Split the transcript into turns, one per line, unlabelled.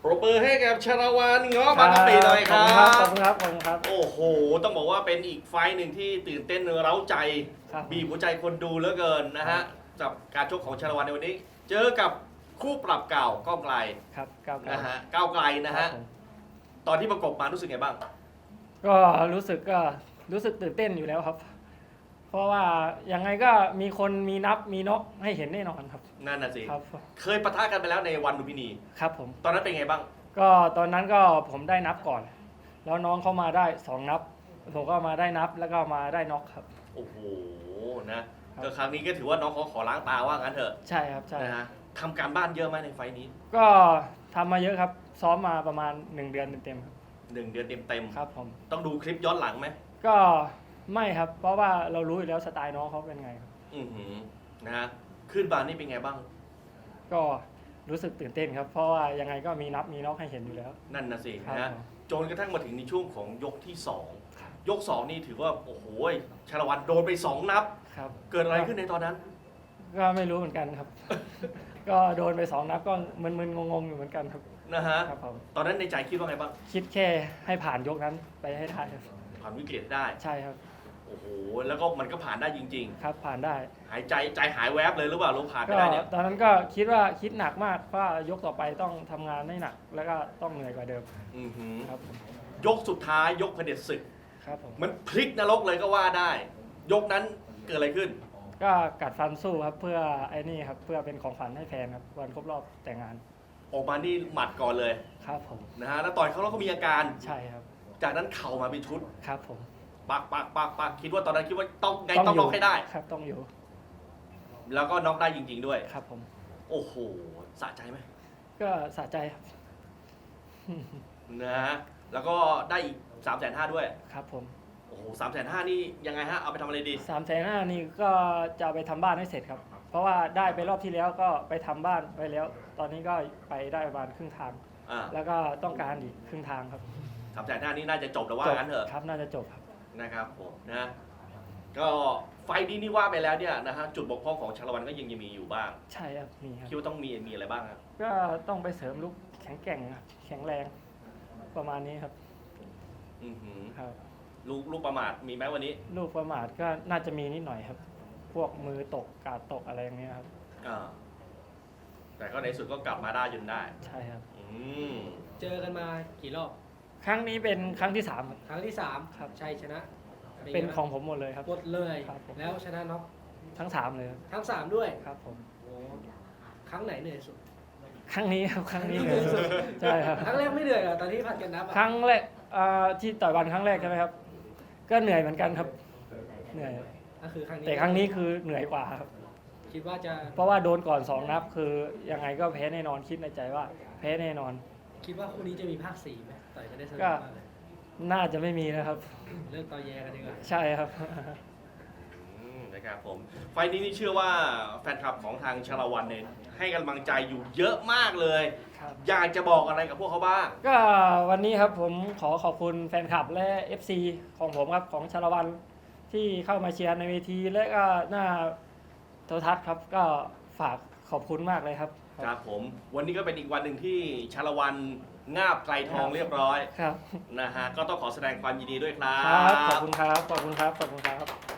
ปรบมือให้กับชาละวันเงาะบางกะปิหน่อยครับ
ขอบคุณครับขอบคุณครับ
โอ้โห ต้องบอกว่าเป็นอีกไฟต์หนึ่งที่ตื่นเต้นเร้าใจ
ครับ
บีบหัวใจคนดูเหลือเกินนะฮะกับการชกของชาละวันในวันนี้ เจอกับคู่ปรับเก่าก้าวไกล
ครับก้าวไกล
นะฮะก้าวไกลนะฮะ
ครับผม
ตอนที่ประกบมารู้สึกไงบ้าง
ก็รู้สึกตื่นเต้นอยู่แล้วครับ เพราะว่ายังไงก็มีคนมีนับมีน็อกให้เห็นแน่นอนครับ
นั่นน่ะสิ
ครับ
เคยปะทะกันไปแล้วในวันลุมพินี
ครับผม
ตอนนั้นเป็นไงบ้าง
ก็ตอนนั้นก็ผมได้นับก่อน แล้วน้องเขามาได้2นับผมก็มาได้นับแล้วก็มาได้น็อกครับ
โอ้โหนะก็ครั้งนี้ก็ถือว่าน้องเขาขอล้างตาว่างั้นเถอะ
ใช่ครับใช่
นะฮะทำการบ้านเยอะไหมในไฟต์นี้
ก็ทำมาเยอะครับ ซ้อมมาประมาณ1 เดือนเต็มๆครับ
1 เดือนเต็ม
ครับผม
ๆต้องดูคลิปย้อนหลังไหม
ก็ไม่ครับ เพราะว่าเรารู้อยู่แล้วสไตล์น้องเขาเป็นไงครับ
อือหือนะฮะขึ้นบานนี่เป็นไงบ้าง
ก็รู้สึกตื่นเต้นครับ เพราะว่ายังไงก็มีนับมีน็อกให้เห็นอยู่แล้ว
นั่นนะสิ
ครับ
นะฮะจนกระทั่งมาถึงในช่วงของยกที่ 2 ยก 2 นี่ถือว่า โอ้โหชาละวันโดนไป 2 นับ
ครับ
เกิดอะไรขึ้นในตอนนั้น
ก็ไม่รู้เหมือนกันครับ ก็โดนไป2 นับก็มึนๆงงๆอยู่เหมือนกันครับ
นะฮะ
ครับผม
ตอนนั้นในใจคิดว่าไงบ้าง
คิดแค่ให้ผ่านยกนั้นไปให้ได้ครับ
ผ่านวิกฤตได้
ใช่ครับ
โอ้โห แล้วก็มันก็ผ่านได้จริง
ครับผ่านได้
ๆ หายใจหายแวบเลยหรือเปล่าลูกผ่านไป
ก็
ได้เนี่ย
ตอนนั้นก็คิดว่าคิดหนักมากว่ายกต่อไปต้องทำงานให้หนัก แล้วก็ต้องเหนื่อยกว่าเดิม
อือหือ
ครับผม
ยกสุดท้ายยกเผด็จศึก
ครับผม
มันพลิกนรกเลยก็ว่าได้ ยกนั้นเกิดอะไรขึ้น
ก็กัดฟันสู้ครับเพื่อไอ้นี่ครับเพื่อเป็นของขวัญให้แฟนครับวันครบรอบแต่งงาน
ออกมานี่หมัดก่อนเลย
ครับผม
นะฮะ แล้วต่อยเขาแล้วก็มีอาการ
ใช่ครับ
จากนั้นเข่ามาเป็นชุด
ครับผม
ปักคิดว่าตอนนั้นคิดว่าต้องไงต้องน็อกให้ได้
ครับต้องอยู่
แล้วก็น็อกได้จริง ๆ ด้วย
ครับผม
โอ้โห สะใจไหม
ก็สะใจครับ
นะฮะ แล้วก็ได้อีก350,000ด้วย
ครับผม
โอ้โห350,000นี่ยังไงฮะ เอาไปทำอะไรดี
350,000นี่ก็จะเอาไปทำบ้านให้เสร็จครับ เพราะว่าได้ไปรอบที่แล้วก็ไปทำบ้านไว้แล้ว ตอนนี้ก็ไปได้ประมาณครึ่งทาง
อ่า
แล้วก็ต้องการอีกครึ่งทางครับ
350,000นี่น่าจะจบแล้วว่า
จบ
งั้นเถอะ
ครับน่าจะจบครับ
นะครับผมนะ ก็ไฟล์นี้นี่ว่าไปแล้วเนี่ยนะฮะ จุดบกพร่องของชาละวันก็ยังมีอยู่บ้าง
ใช่ครับมีครับ
คิดว่าต้องมีอะไรบ้างครับ
ก็ต้องไปเสริมลูกแข็งแกร่งครับแข็งแรงประมาณนี้ครับ
อือหือ
ครับ
ลูกประมาทมีไหมวันนี้
ลูกประมาทก็น่าจะมีนิดหน่อยครับ พวกมือตกกาดตกอะไรอย่างเงี้ยครับ
อ่า แต่ก็ในสุดก็กลับมาได้จนได้
ใช่ครับ
อืม
เจอกันมากี่รอบ
ครั้งนี้เป็นครั้งที่3ครับ
ครั้งที่
ครับ
3ชัยชนะ
เป็นของผมหมดเลยครับ
หมดเลย
ครับผม
แล้วชนะน็อก
ทั้ง3เลยครับ
ทั้ง 3 ด้วย
ครับผม
โอ้ครั้งไหนเหนื่อยสุด
ครั้งนี้ครับครั้งนี้เลยใช่ครับ
ครั้งแรกไม่เหนื่อยเหรอตอนที่ผัดกันนับ
ครั้งแรกที่ต่อยวันครั้งแรกใช่ไหมครับ ก็เหนื่อยเหมือนกันครับ เหนื่อย
ก็คือครั้งนี้
แต่ครั้งนี้คือเหนื่อยกว่าครับ
คิดว่าจะ
เพราะว่าโดนก่อน2 นับคือยังไงก็แพ้แน่นอนคิดในใจว่าแพ้แน่นอน
คิดว่าคู่นี้จะมีภาค 4ไหมต่อยกันได้สนุก
ก็
มากเลย
น่าจะไม่มีนะครับ
เรื่องต่อแยกันดีกว่า
ใช่ครับ
นะครับผม ไฟล์นี้นี่เชื่อว่าแฟนคลับของทางชาละวันเนี่ยให้กำลังใจอยู่เยอะมากเลย
ครับ
อยากจะบอกอะไรกับพวกเขาบ้าง
ก็วันนี้ครับผมขอขอบคุณแฟนคลับและ FC ของผมครับของชาละวันที่เข้ามาเชียร์ในเวทีและก็หน้าโทรทัศน์ครับ ก็ฝากขอบคุณมากเลยครับ
ครับผม วันนี้ก็เป็นอีกวันหนึ่งที่ชาละวันงาบไกลทองเรียบร้อย
ครับ
นะฮะ ก็ต้องขอแสดงความยินดีด้วยครั
ครับ ขอ
บบ
คุณครับ ขอบคุณครับ ขอบคุณครับ